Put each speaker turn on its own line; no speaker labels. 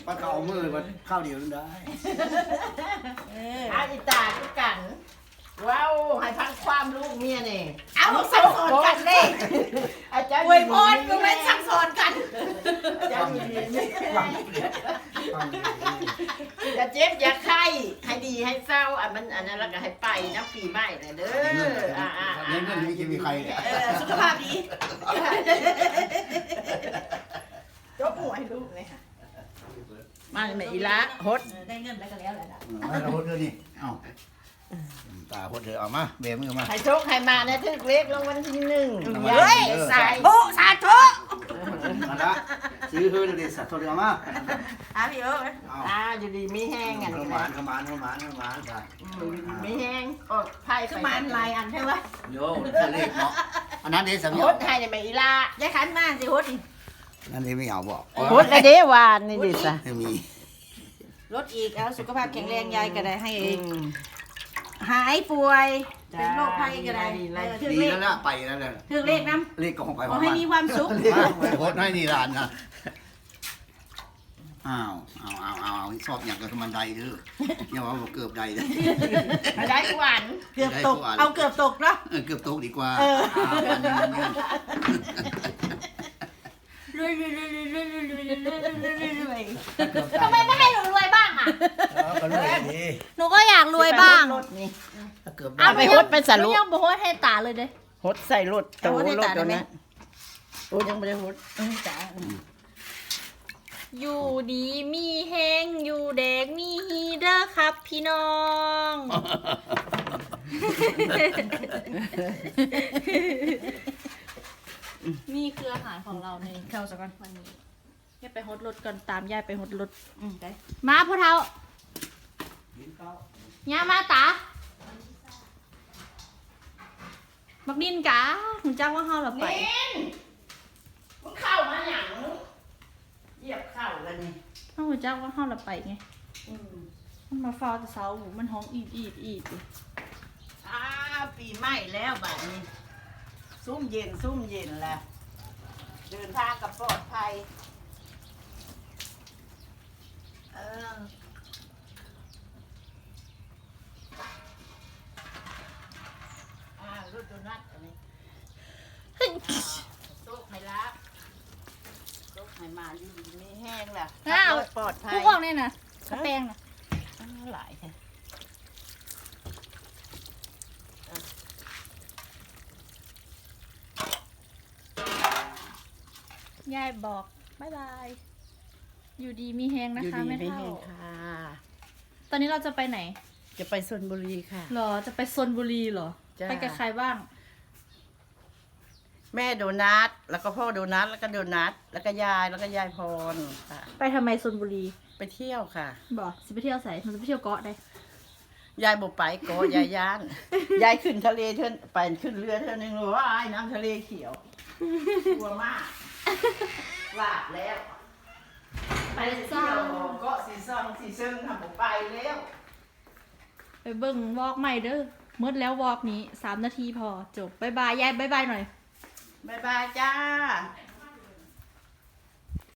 ปลาเก่ามือมันข้าวเดียวนึงได้
อาอิตาทุกกันว้าวให้พังความลูกเมียนี่
เอาสังสอนกันเลย
อาจารย์
อวยพรก็ไม่สังสอนกัน
อาจารย์อย่าเจ็บอย่าไข้ให้ดีให้เศร้าอันนั้นแล้วก็ให้ไปนะปีใหม่เด้อ
เงินไม่คิดมีใครเนี่ย
สุขภาพดี
ยกหัวให้ลูกเลยค่ะมาแม่อีละฮด
ได้เงินแล้วก็แล้วแหละ
เราฮดเลยนี่เอ้าตาฮดเธอเอามาเบมือมา
ให้โชคให้มาเนี่ยทึกเล็กลงวันที่1
เฮ้ยสาธุสาธุ
มาละซื้อเธอเลยสัตว์ตัวเดียวมา
พี่เอ้ย
อยู่ดีไม่แห้งอ่ะ
ขมานจ้ะ
ไม่แห้งก็ไพ่
ขมานลายอันใช่ไหม
โย่เล็กเนาะอันนั้นเดี๋ยวสำย
ฮดให้เนี่ยแม่อีละ
ยายขันมาสิฮด
นั่นเดี๋ยวไม่เอาบอก
ฮดเดี๋ยววานนี่ดิซะ
มี
รถอีกเอาสุขภาพแข็งแรงยายก็ได้ให้หายป่วยเป็นโรคภัยก็ได้
ดีแล้วนะไปแล้วเนี่ย
ถึงเลขน้
ำเลขของไป
ขอให้มีความสุข
โคตรให้นี่ร้านนะอ้าวชอบอย่างกับมันไดเด้ออย่าว่าเกือบไดเลย
ได้หวาน
เกือบตกเอาเกือบตกเนาะ
เกือบตกดีกว่า
ทำไมไม่ให้หนูรวยบ้างอ่ะ
ก็รวยดี
หนูก็อยากรวยบ้าง
เอาไปฮดไปใส่รถ
ยังบ่ฮดให้ตาเลยเด้
ฮดใส่รถตัวรถตัวนี้โอ้ยังไม่ได้ฮดจ้า
อยู่ดีมีแห้งอยู่แดงมีฮีเด้อครับพี่น้องนี่คืออาหารของเราในเข้าสักก่อนวันนี้ย่าไปฮดรถก่อนตามย่าไปฮดรถได้มาพ่อเท้าย่ามาตาบักดินกะหนูจ้างว่าเฮาหรอไป
มึงเข้ามาอย่างเหยียบเข้าแล้วนี่
หนูจ้างว่าเฮาหรอไปไงมันมาฟาวแต่เสาหูมันห้องอีด
ปีใหม่แล้วแบบนี้ซุ่มเย็นแหละเดินทางกับปลอดภัยรถโดนัทอันนี้โต๊ะไม่รับโต๊ะไม่มาอยู่ดีไม่แห้งแหละปลอดภัย
ผู้บอกเนี่ยนะกระแปงนะ
หลายแท้
ยายบอกบ๊ายบายอยู่ดีมีแฮงนะคะแม่เฒ่าตอนนี้เราจะไปไหน
จะไปชลบุรีค่ะ
หรอจะไปชลบุรีเหรอไปกับใครบ้าง
แม่โดนัทแล้วก็พ่อโดนัทแล้วก็โดนัทแล้วก็ยายพรค่ะ
ไปทำไมชลบุรี
ไปเที่ยวค่ะ
บอกสิไปเที่ยวใส่มันจะไปเที่ยวเกาะได้
ยายบอกไปเกาะยายย่านยายขึ้นทะเลเท่าไปขึ้นเรือเท่านึงว่าน้ำทะเลเขียวกลัวมากหลาบแล้วไปเที่ยวเกาะสีซึ่งทำผมไปแล้ว
ไปเบิ่งวอล์กใหม่เด้อมืดแล้ววอล์กนี้3 นาทีพอจบบ๊ายบายยายบ๊ายบายหน่อย
บ๊ายบายจ้า